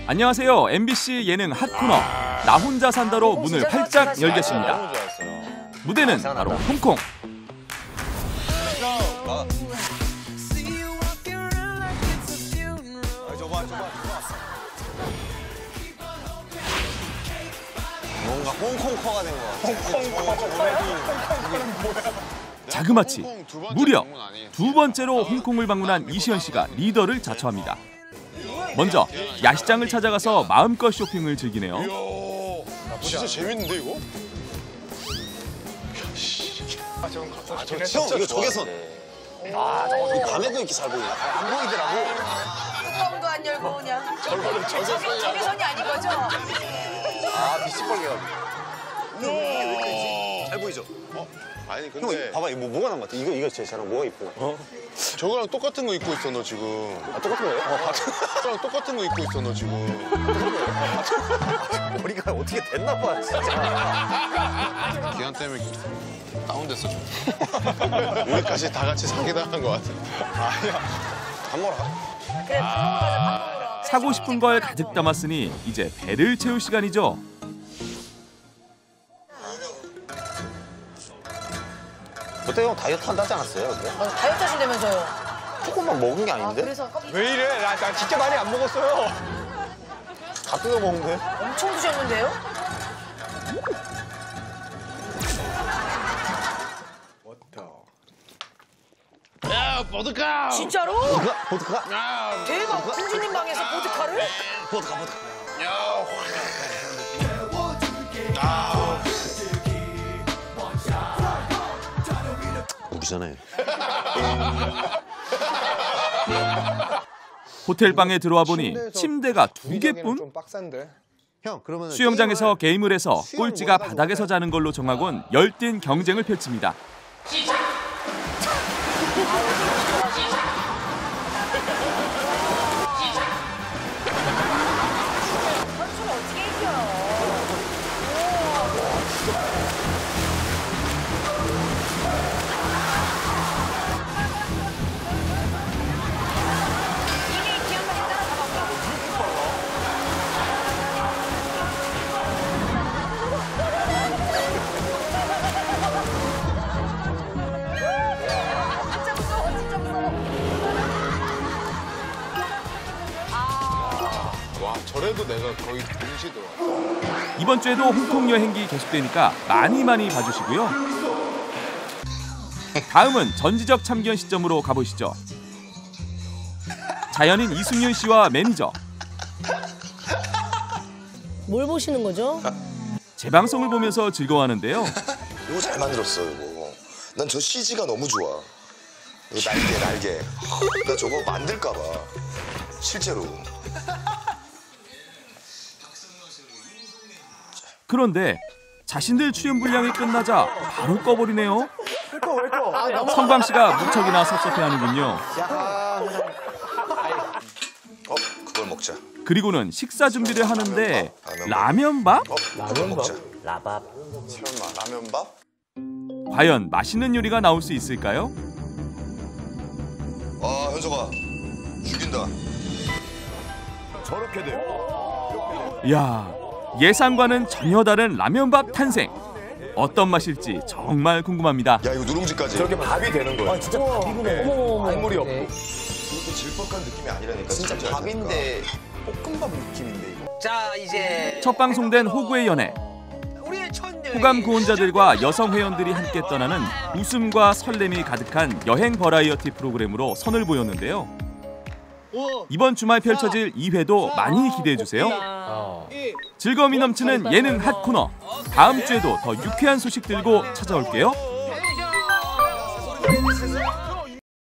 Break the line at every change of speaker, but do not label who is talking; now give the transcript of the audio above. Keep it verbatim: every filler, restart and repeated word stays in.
안녕하세요. 엠비씨 예능 핫코너 나 혼자 산다로 문을 활짝 열겠습니다. 무대는 바로 홍콩.
뭔가 홍콩커가 된 것 같아.
자그마치 무려 두 번째로 홍콩을 방문한 이시연 씨가 리더를 자처합니다. 먼저 야시장을 찾아가서 마음껏 쇼핑을 즐기네요.
이야, 진짜 재밌는데 이거?
아, 저, 아, 저, 형 이거 적외선. 아, 저 밤에도 이렇게 잘 보이나? 안 보이더라고.
뚜껑도 안 열고 오냐?
저거는 적외선이
적외선이 아닌 거죠?
아, 비치벌게가지고. 형 이게 왜 이렇게 잘 보이죠?
어? 아니 근데
형 봐봐 이거 뭐, 뭐가 난 것 같아? 이거 이거 제일 잘하는 뭐가 이뻐? 어?
저거랑 똑같은 거 입고 있어 너 지금.
아 똑같은 거예요? 어,
저거랑 똑같은 거 입고 있어 너 지금.
머리가 어떻게 됐나 봐 진짜.
기한 때문에 다운됐어 좀. 우리까지 다 같이 사기당한 것 같아.
아니야. 밥 먹으러 가.
그래, 밥 먹으러 가자, 밥 먹으러.
사고 싶은 걸 가득 담았으니 이제 배를 채울 시간이죠.
그때 형 다이어트 한다지 않았어요? 근데?
어, 다이어트 하신다면서요?
조금만 먹은 게 아닌데?
아, 그래서
왜 이래? 나, 나 진짜 많이 안 먹었어요.
다 뜯어 먹는데?
엄청 드셨는데요?
야 보드카.
진짜로?
보드카? 보드카?
야,
대박, 공주님 방에서 보드카를?
보드카 보드카.
야.
우리잖아요.
호텔 방에 들어와 보니 침대가 두 개뿐?
좀 빡센데.
형 그러면
수영장에서 게임을 해서 꼴찌가 바닥에서 자는 걸로 정하곤 열띤 경쟁을 펼칩니다.
선수는 어떻게 이겨요? 이미 기한까지 따라가봐. 진짜 무서워, 진짜 무서워.
와 저래도 내가 거의 동시 들어와.
이번 주에도 홍콩 여행기 계속되니까 많이 많이 봐주시고요. 다음은 전지적 참견 시점으로 가보시죠. 자연인 이승윤 씨와 매니저.
뭘 보시는 거죠?
재방송을 보면서 즐거워하는데요.
이거 잘 만들었어 이거. 난 저 씨지가 너무 좋아. 이거 날개 날개. 나 저거 만들까 봐. 실제로.
그런데 자신들 출연 분량이 끝나자 바로 꺼버리네요.
왜 꺼, 왜 꺼?
성광 씨가 무척이나 섭섭해하는군요.
어 그걸 먹자.
그리고는 식사 준비를 하는데 라면밥?
어 그걸 먹자.
라밥.
설마 라면밥?
과연 맛있는 요리가 나올 수 있을까요?
아 현석아 죽인다.
저렇게 돼.
이야, 예상과는 전혀 다른 라면밥 탄생. 어떤 맛일지 정말 궁금합니다.
야 이거 누룽지까지.
저렇게 밥이 되는 거야.
아 진짜 밥이구나. 어머머머.
국물이 없고.
이것도 질퍽한 느낌이 아니라니까.
진짜
진짜
밥인데 볶음밥 느낌인데 이거.
자 이제
첫 방송된 호구의 연애.
우리의 첫 여행이
호감 구원자들과 여성 회원들이 함께 떠나는 웃음과 설렘이 가득한 여행 버라이어티 프로그램으로 선을 보였는데요. 이번 주말 펼쳐질 이 회도 많이 기대해주세요. 즐거움이 넘치는 예능 핫코너. 다음 주에도 더 유쾌한 소식 들고 찾아올게요.